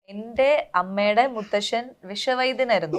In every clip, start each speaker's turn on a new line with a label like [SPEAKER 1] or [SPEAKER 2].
[SPEAKER 1] എന്റെ അമ്മയുടെ മുത്തശ്ശൻ വിഷവൈദ്യനായിരുന്നു.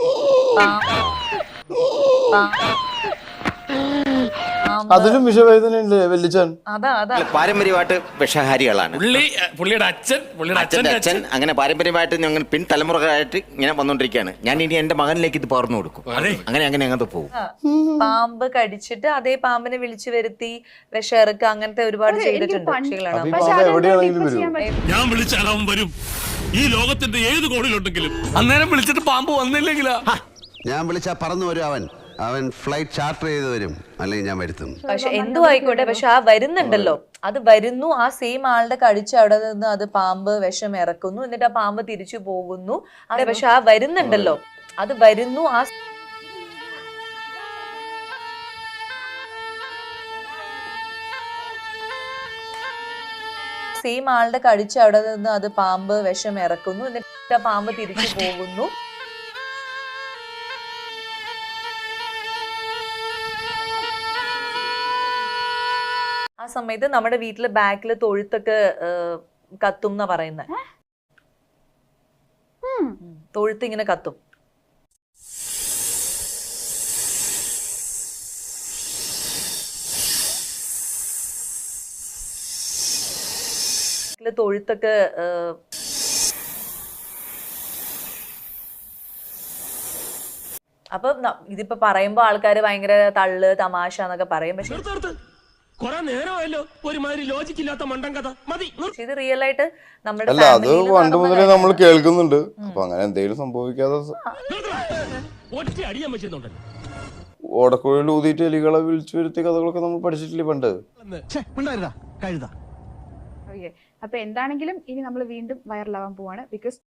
[SPEAKER 2] അതിലും വിഷവേദനയുണ്ട് വല്യച്ഛൻ.
[SPEAKER 1] അതാ
[SPEAKER 3] പാരമ്പര്യമായിട്ട് വിഷഹാരികളാണ്.
[SPEAKER 4] പുള്ളിയുടെ
[SPEAKER 3] അച്ഛൻ അങ്ങനെ പാരമ്പര്യമായിട്ട് ഞങ്ങൾ പിൻതലമുറകളായിട്ട് ഇങ്ങനെ വന്നോണ്ടിരിക്കുകയാണ്. ഞാൻ ഇനി എന്റെ മകനിലേക്ക് ഇത് പകർന്നു കൊടുക്കും. അങ്ങനെ അങ്ങനത്തെ പോകും.
[SPEAKER 1] പാമ്പ് കടിച്ചിട്ട് അതേ പാമ്പിനെ വിളിച്ചു വരുത്തി വിഷയിറക്കുക, അങ്ങനത്തെ ഒരുപാട് ചെയ്തിട്ടുണ്ട് പക്ഷികളാണ്.
[SPEAKER 2] എവിടെയാണെങ്കിലും വരും.
[SPEAKER 4] ഞാൻ വിളിച്ചാൽ അവൻ വരും. ഈ ലോകത്തിന്റെ ഏത് കോണിലുണ്ടെങ്കിലും അന്നേരം വിളിച്ചിട്ട് പാമ്പ് വന്നില്ലെങ്കിലാ
[SPEAKER 5] ഞാൻ വിളിച്ചാ പറന്നു വരും. അവൻ ഫ്ലൈറ്റ് ചാർട്ടർ ചെയ്ത് വരും, അല്ലെങ്കിൽ ഞാൻ വരുത്തും.
[SPEAKER 1] പക്ഷെ എന്തു ആയിക്കോട്ടെ, പക്ഷെ ആ വരുന്നുണ്ടല്ലോ, അത് വരുന്നു. ആ സെയിം ആളുടെ കടിച്ച് അവിടെ നിന്ന് അത് പാമ്പ് വിഷം ഇറക്കുന്നു, എന്നിട്ട് ആ പാമ്പ് തിരിച്ചു പോകുന്നു. അതെ, പക്ഷെ ആ വരുന്നുണ്ടല്ലോ, അത് വരുന്നു. ആ സെയിം ആളുടെ കടിച്ച് അവിടെ നിന്ന് അത് പാമ്പ് വിഷം ഇറക്കുന്നു, എന്നിട്ട് ആ പാമ്പ് തിരിച്ചു പോകുന്നു. ആ സമയത്ത് നമ്മുടെ വീട്ടില് ബാക്കില് തൊഴുത്തൊക്കെ കത്തും എന്നാ പറയുന്നത്. തൊഴുത്ത് ഇങ്ങനെ കത്തും. തൊഴുത്തൊക്കെ അപ്പൊ ഇതിപ്പോ പറയുമ്പോ ആൾക്കാര് ഭയങ്കര തള്ളു തമാശ എന്നൊക്കെ പറയും. പക്ഷെ ഇത് റിയൽ ആയിട്ട് നമ്മുടെ
[SPEAKER 2] അല്ല, അത് പണ്ട് മുതലേ നമ്മൾ കേൾക്കുന്നുണ്ട്. അപ്പൊ അങ്ങനെ എന്തെങ്കിലും സംഭവിക്കാതെ ഓടക്കുഴയിൽ ഊതിയിട്ട് എലികളെ വിളിച്ചു വരുത്തിയ കഥകളൊക്കെ നമ്മൾ പഠിച്ചിട്ടില്ലേ പണ്ട്.
[SPEAKER 6] അപ്പൊ എന്താണെങ്കിലും ഇനി നമ്മൾ വീണ്ടും വൈറലാവാൻ പോവാണ്. ബിക്കോസ്